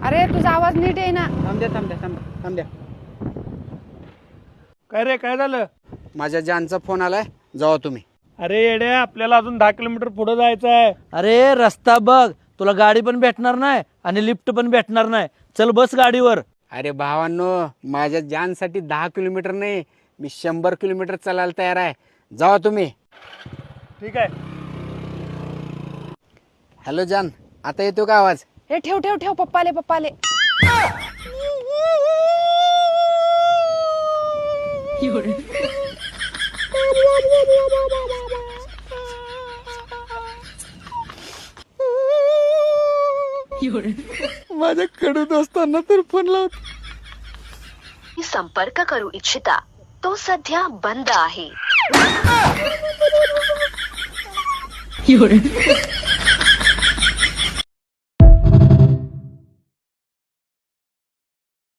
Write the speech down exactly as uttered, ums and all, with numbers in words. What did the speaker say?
अरे तुझा आवाज नीट आहे ना. थांब द्या थांब द्या थांब थांब द्या. काय रे, काय झालं? माझ्या जानचा फोन आलाय, जावा तुम्ही. अरे येड्या, आपल्याला अजून दहा किलोमीटर पुढे जायचं आहे. अरे रस्ता बघ, तुला गाडी पण भेटणार नाही आणि लिफ्ट पण भेटणार नाही. चल बस गाडीवर. अरे भावांनो, माझ्या जानसाठी दहा किलोमीटर नाही, मी शंभर किलोमीटर चालायला तयार आहे. जावा तुम्ही. ठीक आहे. हॅलो जान, आता येतो का आवाज? हे ठेव ठेव ठेव पप्पाले पप्पाले. माझ्या कडू दोस्तांना तर फोन लावतो. संपर्क करू इच्छिता तो सध्या बंद आहे.